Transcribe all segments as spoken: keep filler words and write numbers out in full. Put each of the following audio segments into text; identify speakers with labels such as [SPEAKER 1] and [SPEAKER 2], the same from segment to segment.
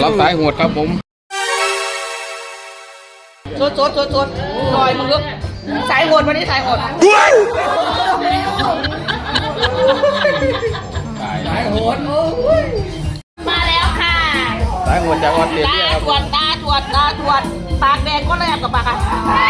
[SPEAKER 1] รับสายโหดครับผม
[SPEAKER 2] สดสดสดสดลอยมึงลูกสายโหดวันนี้สายโหดสายโหดมาแล้วค่ะ
[SPEAKER 1] สายโหดจากออสเตรเลียครับ
[SPEAKER 2] ตาตรวจตาตรวจตาตรวจปากแดงก็แลบกับปากอ่ะ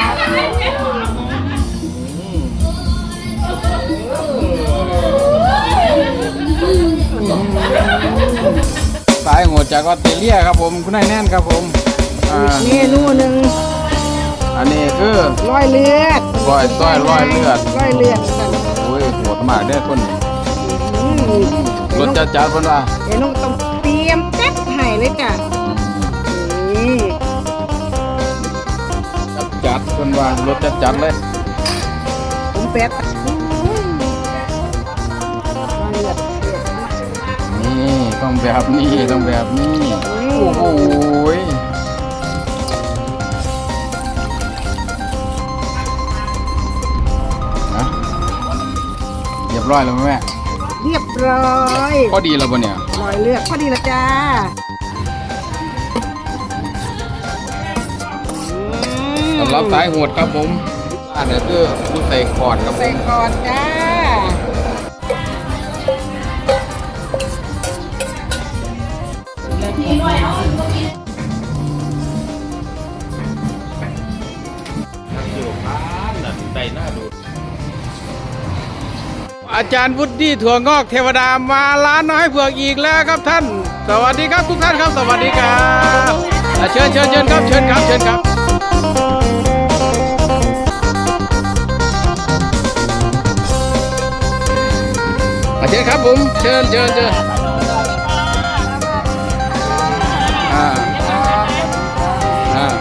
[SPEAKER 1] สายโหดจากออสเตรเลียครับผมคุณนายแน่นครับผม
[SPEAKER 3] เมนูหนึ่ง
[SPEAKER 1] อันนี้คือ
[SPEAKER 3] ร้อยเลือด
[SPEAKER 1] ร้อยต้อยร้อยเลือด
[SPEAKER 3] ร้อยเลือดกัน
[SPEAKER 1] โอ้ยโหดมากเด้อคนรสจัดจัดคนว่า
[SPEAKER 3] เดี๋ยวน้องต้องเตรียมจัดให้เลยจ้ะนี่
[SPEAKER 1] จัดจัดคนว่ารสจัดจัดเลย
[SPEAKER 3] ผมเป็ด
[SPEAKER 1] นี่ต้องแบบนี้ต้องแบบนี้โอ้โหเรียบร้อยแล้วแม่
[SPEAKER 3] เรียบร้อย
[SPEAKER 1] พอดีแล้วปะเนี่ย
[SPEAKER 3] ร้อยเลือดพอดีแล้วจ้า
[SPEAKER 1] สำหรับสายโหดครับผมอันนี้คือผู้ใส่คอร์ดครับ
[SPEAKER 3] ใส่คอร์ดจ้า
[SPEAKER 1] อาจารย์วุฒิถั่วงอกเทวดามาร้านน้อยเผือกอีกแล้วครับท่านสวัสดีครับทุกท่านครับสวัสดีครับเชิญเชิญเชิญครับเชิญครับเชิญครับเชิญครับผมเชิญเชิญเชิญอ่าอ่า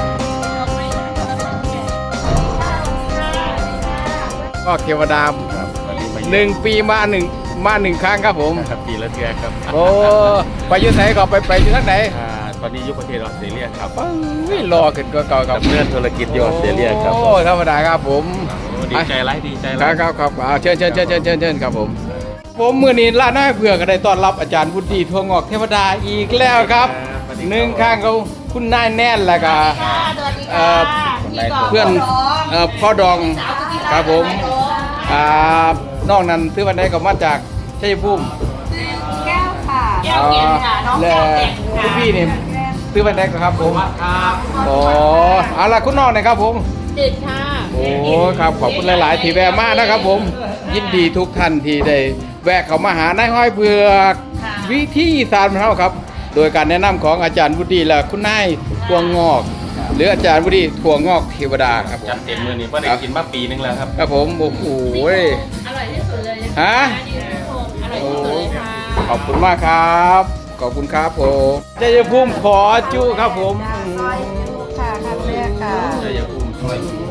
[SPEAKER 1] ก็เทวดาหนึ่งปีมาหนึ่งมาหนึ่งครั้งครับผม
[SPEAKER 4] ครับปีละเดือนครับ
[SPEAKER 1] โอ้ไปยุทธไหนก็ไปไปยุทธไหน
[SPEAKER 4] ตอนนี้ยุคประเทศออสเตรเลียครับ
[SPEAKER 1] ไม่รอขึ้นก็เก่ากับ
[SPEAKER 4] เพื่อนธุรกิจอยู่ออสเตรเลียครับ
[SPEAKER 1] โอ้ธรรมดาครับผม
[SPEAKER 4] ดีใจไรดีใจไร
[SPEAKER 1] ครับครับเชิญเชิญเชิญเชิญเชิญเชิญครับผมผมมือนี้ร้านน้อยเผือกก็ได้ต้อนรับอาจารย์วุฒิถั่วงอกเทวดาอีกแล้วครับหนึ่งข้างเขาคุณนายแน่นแล้วก็เพื่อนพ่อดองครับผมนอกนั้นซื้อวันใดก็มาจากชัยภูมิ
[SPEAKER 2] แก้วค่ะแก้วเย็นค่ะน้องแก้วเย็น
[SPEAKER 1] ค่ะพี่นี่ซื้อวันใดก็ครับผมครับโอ้เอาล่ะคุณน้องนะครับผม
[SPEAKER 2] จืดค่ะ
[SPEAKER 1] โอ้ครับขอบคุณหลายๆที่แวะมานะครับผมยินดีทุกท่านที่ได้แวะเข้ามาหานายห้อยเผือกวิธีอีสานของเราครับโดยการแนะนำของอาจารย์วุฒิและคุณนายถั่วงอกหรืออาจารย์วุฒิถั่วงอกเทวดาครับ
[SPEAKER 4] จัดเต็มมือนี่ก็ได้กินมาปีนึงแล้วครับ
[SPEAKER 1] ครับผมโอ้โห
[SPEAKER 2] อร่อยที่สุดเลย
[SPEAKER 1] ฮะ
[SPEAKER 2] อร่อยที่สุดเลยค่ะ
[SPEAKER 1] ขอบคุณมากครับขอบคุณครับผมชัยภูมิขอจุครับผม
[SPEAKER 3] ค่ะครั้งแรกค่ะ
[SPEAKER 4] ชัยภูมิซอยจุ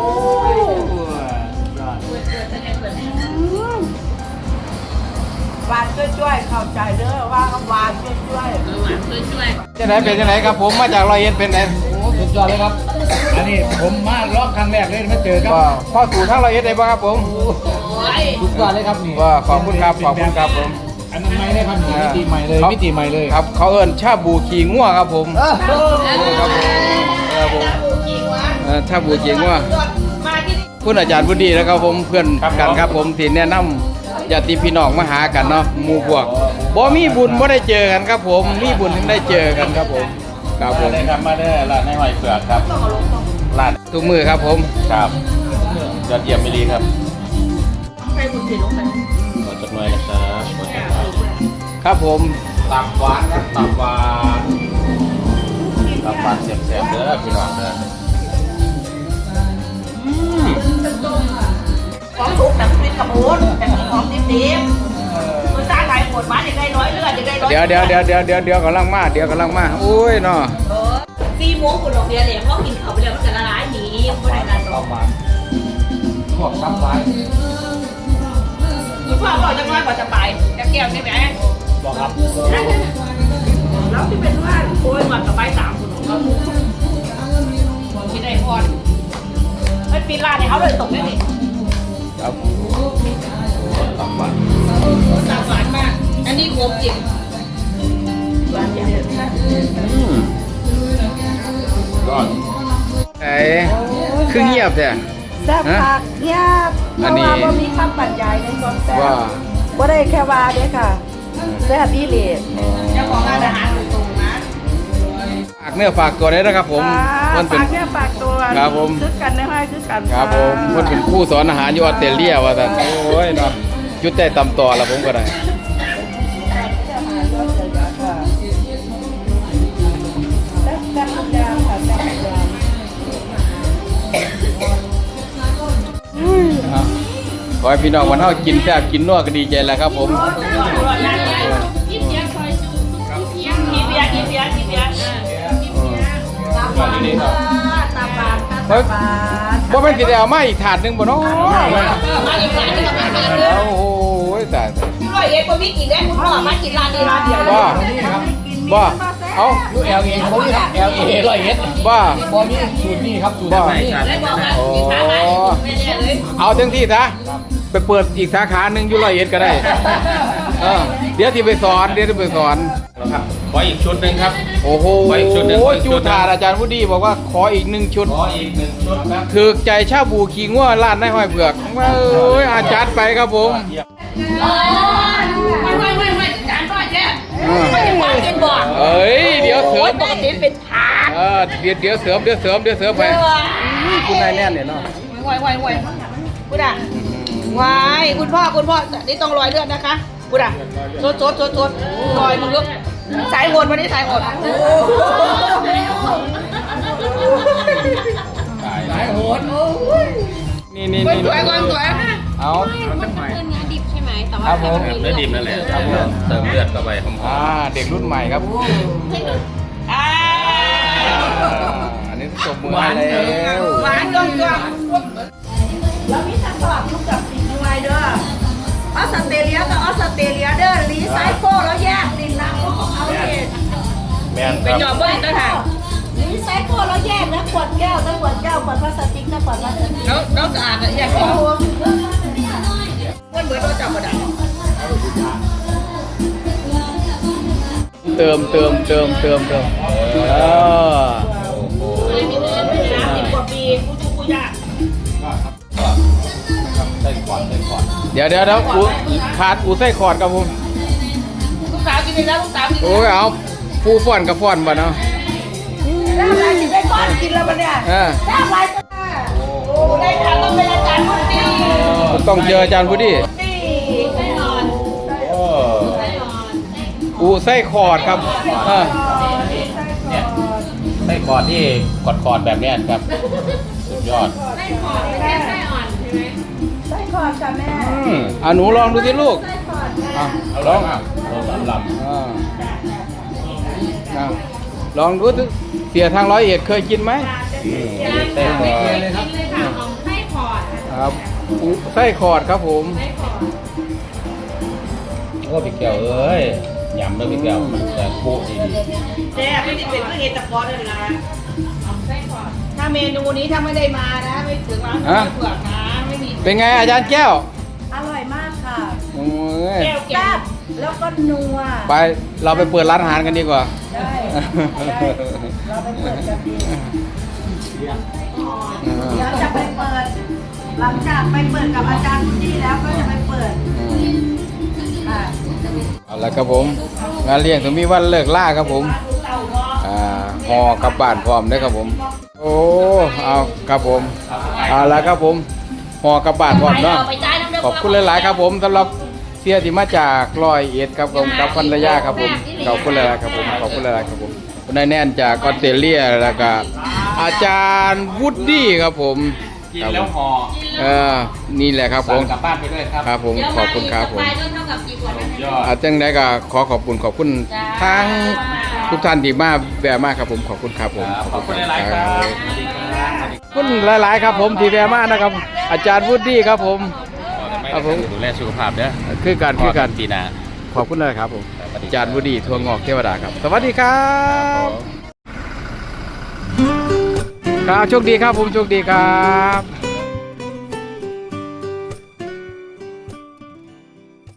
[SPEAKER 3] หวานช่วยๆเข้าใจเด้อว่าหวานช่วยๆหวาน
[SPEAKER 2] ช่วย
[SPEAKER 1] ๆจะไหนเป็นจะไหนครับผมมาจากร้อยเอ็ดเป็นไหน
[SPEAKER 5] โอ้สุดยอดเลยครับอันนี้ผมมารอบครั้งแรกเลยมาเจอครับ
[SPEAKER 1] พ่อสู่ทั้งร้อยเอ็ดได้ป่ะครับผม
[SPEAKER 5] สุดยอดเลยครับนี่
[SPEAKER 1] ว่าขอบคุณครับขอบคุณครับผม
[SPEAKER 5] อันนั้นใหม่เลยครับมิติใหม่เลยมิติใหม่เลย
[SPEAKER 1] ครับเขาเอิ้นชาบูขี่งัวครับผมครับผมครับผมชาบูขี่งัวคุณอาจารย์บุญดีนะครับผมเพื่อนกันครับผมที่แนะนำญาติพี่น้องมาหากันเนาะหมู่พวกบ่มีบุญบ่ได้เจอกันครับผมมีบุญถึงได้เจอกันครับผมครับผม
[SPEAKER 4] ได้ครับมาได้ร้านในหอยเผือกครับร้าน
[SPEAKER 1] ทุกมือครับผม
[SPEAKER 4] ครับยอดเยี่ยมมิลีครับใครบุญถึงลงไปขอจัดหน่อยนะครับขอจัดหน่อย
[SPEAKER 1] ครับผม
[SPEAKER 4] ตับหวานครับตับหวานตับหวานแซ่บๆเด้อพี่น้องเด้อ
[SPEAKER 2] ของทุกแบบเป็นกระปุกแต่ของดิบๆคุณสร้างขายหมดมาอย่างไรร้อยเลือดอย่างไรร้อย
[SPEAKER 1] เดี๋ยวเดี๋ยวเดี๋ยวเดี๋ยวเดี๋ยวเดี๋ยวกำลังมาเดี๋ยวกำลังมาอุ้ยเนาะ
[SPEAKER 2] ซีม้วงคุณดอกเดียเหลี่ยมเพราะกินเขาไปแล้วมันจะละลายหนีไม่ได้นานต่อมา
[SPEAKER 5] พวกตับหวาน
[SPEAKER 2] คุณพ่อบอกจะน้อยกว่าจะไปจะแก้วใช่ไหม
[SPEAKER 5] บอกครับ
[SPEAKER 2] แล้วที่เป็นว่าโอ้ยมันกับใบสามคุณของเราที่ได้พอดไม่ปีลาเนี่ยเขาเลยตกได้ดิ
[SPEAKER 1] ครับ
[SPEAKER 4] ตับหวาน
[SPEAKER 2] ตับหวานมากอันนี้โคมจริงหวานเยอะ
[SPEAKER 1] คือเงียบแท้
[SPEAKER 3] แซ่บผักเงียบเพ
[SPEAKER 1] อัน
[SPEAKER 3] ราะ
[SPEAKER 1] นี้
[SPEAKER 3] ว่าบ่มีคำบรรยายในความแซ่บ
[SPEAKER 1] ว่า
[SPEAKER 3] บ่ได้แค่ว่าเด้อค่ะแซ่บอีหลี
[SPEAKER 2] เจ้าของร้านอาหารตรงๆนะ
[SPEAKER 1] ฝากเนื้อฝากตัวนี้นะครับผม
[SPEAKER 3] มั
[SPEAKER 1] มัน นเป็น
[SPEAKER 3] ฝากแค่ฝากตัว
[SPEAKER 1] ครับผม
[SPEAKER 3] คือกันได้ไหมคือกัน
[SPEAKER 1] ครับผมมันเป็นครู่สอนอาหารอยู่ออสเตรเลียว่าท่านโอ้ยเนาะจุดใจตำต่อละผมก็ได้
[SPEAKER 3] แซ่บแซ่บทุกอย่างค่ะแซ่บทุกอย่าง
[SPEAKER 1] อ่ะขอให้พี่น้องวันเฮากินแซ่บกินนัวก็ดีใจแล้วครับผม
[SPEAKER 2] กินเบียร์กินเบียร์กินเบียร์กินเบียร์
[SPEAKER 3] ตาบานค่ะตาบานค่ะตาบาน
[SPEAKER 1] บ่แม่นสิได้เอามาอีกถาดหนึงบ่เนาะ
[SPEAKER 2] มาอีกร้านนึงมาอีกร้านนึง
[SPEAKER 1] โอ้โหตาย
[SPEAKER 2] ร้อยเอ็ดคนพี่กินได้คุณพ่อมากินร้านนี้ร้านเดียว
[SPEAKER 1] บ่บ่เอ้า
[SPEAKER 5] ยูเอลเอเขาอยู่เอลเอร้อยเอ็ด
[SPEAKER 1] บ่
[SPEAKER 5] บอมีสูตรนี่ครับสูตร
[SPEAKER 1] บ่
[SPEAKER 5] นี่
[SPEAKER 2] ได้บอกว่ามีทางไหนไม่ได้เลย
[SPEAKER 1] เอาเต็มที่ซะไปเปิดอีกสาขาหนึงอยู่ร้อยเอ็ดก็ได้เออเดี๋ยวสิไปสอนเดี๋ยวสิไปสอน
[SPEAKER 4] ครับขออีกชุดหนึ่งครับ
[SPEAKER 1] โอ้โห
[SPEAKER 4] ขออีกชุดหนึ่งขออีกชุ
[SPEAKER 1] จู
[SPEAKER 4] ดหนึ่ง
[SPEAKER 1] ถาดอาจารย์วุฒิบอกว่าขออีกหนึ่งชุด
[SPEAKER 4] ขออีกหนึ่งชุดครับ
[SPEAKER 1] ถือใจชาบูขี้ง่วร้านนายห้อยเผือกว่าเอ้ยอาจารย์ไปครับผม
[SPEAKER 2] ไม่ไม่ไม่ไม่จานร้อยแย่ไม่ได้มากินบ่อน
[SPEAKER 1] เอ้ยเดี๋ยวเสริม
[SPEAKER 2] ปกติเป็นถาด
[SPEAKER 1] เออเดี๋ยวเดี๋ยวเสริมเดี๋ยวเสริมเดี๋ยวเสริมไปคุณนายแน่นเนี่ยเนาะ
[SPEAKER 2] ไหวไหวไหวกูด่าไหวคุณพ่อคุณพ่อนี่ต้องรอยเลือดนะคะกูด่าโซดโซดโซดโซดรอยมึงลูกสายโหดวันนี้สายโหด
[SPEAKER 5] สายโหด
[SPEAKER 1] นี่นี่
[SPEAKER 2] คน
[SPEAKER 1] นี่
[SPEAKER 2] สวยคนสวย
[SPEAKER 1] เอา
[SPEAKER 6] มันคือเนื้อดิบใช่ไหมแต่ว่า
[SPEAKER 1] ครับผม
[SPEAKER 6] มัน
[SPEAKER 4] เนื้อดิบนั่นแหละครับเติมเลือดเข้าไปหอม
[SPEAKER 1] อ่าเด็กรุ่นใหม่ครับ
[SPEAKER 2] อ่า
[SPEAKER 1] อ่าอันนี้ตบมือให้แล้ว
[SPEAKER 2] หวานจ้องจ้อง
[SPEAKER 3] แล้วมีทั้งสลับลูกกับสีด้วยเด้อออสเตรเลียกับออสเตรเลียเด้อรีไซเคิลแล้วแยกดินน้ำก็ของเอาเอง
[SPEAKER 4] ๆแม่น
[SPEAKER 2] ไป
[SPEAKER 4] ครับ
[SPEAKER 2] จอบเบิ้ลตั้งหาก
[SPEAKER 3] รีไซเคิลแล้วแยกนะขวดแก้วนะขวดแก้วขวดพลาสติกนะขวดพลาสติก
[SPEAKER 2] แล้วแล้วสะอาดอ่ะอยากกินมันเหมือนเราจับกระดาษ
[SPEAKER 1] เติมเติมเติมเติมเติมเออ
[SPEAKER 2] น้ำสิบกว่าปีกูดูกูยาก
[SPEAKER 4] ได้ก่อนได้ก่อน
[SPEAKER 1] เดี๋ยวเดี๋ยวเดี๋ยวอูขาดอูไส้ขอดครับผม
[SPEAKER 2] ลูกสาวกินไปแล้วลูกสาวกิน
[SPEAKER 1] โอ้ยเอาฟูฟ้อนกับฟ้อนบ่เนาะ
[SPEAKER 3] แล้วอะไรกินได้ก้อนกินแล้วมันเนี่ย
[SPEAKER 1] เออ
[SPEAKER 3] แล้วอะไรจะ
[SPEAKER 2] โอ้ได้ทางต้องเป็นอาจารย์มุนตี
[SPEAKER 1] ต้องเจออาจารย์พุทธิ
[SPEAKER 2] ตี
[SPEAKER 4] โอ้
[SPEAKER 1] อูไส้ขอดครับเออ
[SPEAKER 4] เนี่ยไส้กรอดที่กอดคอดแบบเนี้ยครับสุดยอด
[SPEAKER 3] ไส้คอดค่ะแม่
[SPEAKER 1] อืมอ่ะหนูลองดูสิลูก
[SPEAKER 3] ไส้คอด
[SPEAKER 1] อ่ะ
[SPEAKER 4] เอา
[SPEAKER 1] ล
[SPEAKER 4] ล
[SPEAKER 1] อ
[SPEAKER 4] อง งลองลำล
[SPEAKER 1] อ่าอ่ะลองดูสิเสียทางร้อยเอ็ดเคยกินไหม
[SPEAKER 4] ำเต้นก่อน
[SPEAKER 1] ครับอูไส้ขอดครับผม
[SPEAKER 4] โอ้พี่แก้วเอ้ยยำด้วยพี่แก้วมันจะปุ๊ดีดี
[SPEAKER 2] แซ่บไม่ได้เป็นเพื่อเอตะกอนเลยนะถ้าเมนูนี้ถ้าไม่ได้มานะไม่ถึงร้านเผือกนะไม่มี
[SPEAKER 1] เป็นไงอาจารย์แก้ว
[SPEAKER 3] อร่อยมากค่ะ
[SPEAKER 1] โอ้ย
[SPEAKER 2] แก้วแก้
[SPEAKER 3] แซ่
[SPEAKER 2] ว
[SPEAKER 3] บแล้วก็นัว
[SPEAKER 1] ไปเราไปเปิดร้านอาหารกันดีกว่า
[SPEAKER 3] ได้ได้เราไปเปิดกันดีเดี๋ยวจะไปเปิด หลังจากไปเปิดกับอาจารย์พุทธิแล้วก็จะไปเปิดค่ะ
[SPEAKER 1] เอาละครับผมงานเลี้ยงถึงมีวันเลิกล่าครับผมอ่าห่อกลับบ้านพร้อมได้อครับผม โอ้เอาครับผมเอาละครับผมห่อกลับบ้านพร้อมเนาะขอบคุณหลายๆครับผมสำหรับเสียที่มาจากร้อยเอ็ดครับผมกับภรรยาครับผมขอบคุณหลายๆครับผมขอบคุณหลายๆครับผมคุณนายแน่นจากออสเตรเลียแล้วก็อาจารย์วูดดี้ครับผม
[SPEAKER 4] กินแล้วห่อ
[SPEAKER 1] เออนี่แหละครับผ
[SPEAKER 4] สั่ง
[SPEAKER 1] ม
[SPEAKER 4] กลับบ้านไปด้วยครับ
[SPEAKER 1] ครับผมขอบคุณครับผม
[SPEAKER 4] ยอด
[SPEAKER 1] อาจังได้ก็ขอขอบคุณขอบคุณทั้งทุกท่านที่มาแวะมากครับผมขอบคุณครับผม
[SPEAKER 4] ขอบคุณหลายๆครับสวัสดีครับ
[SPEAKER 1] ขอบคุณหลาย ๆ ครับผมที่แวะมากนะครับ อาจารย์วูดดี้ครับผม ครับผม
[SPEAKER 4] ดูแลสุขภาพเด้อ
[SPEAKER 1] คือการคือการ
[SPEAKER 4] ปีหน้า
[SPEAKER 1] ขอบคุณเลยครับผม
[SPEAKER 4] สวัสดี
[SPEAKER 1] อาจารย์วูดดี้ทวงงอกเทวดาครับ สวัสดีครับครับโชคดีครับผมโชคดีครับ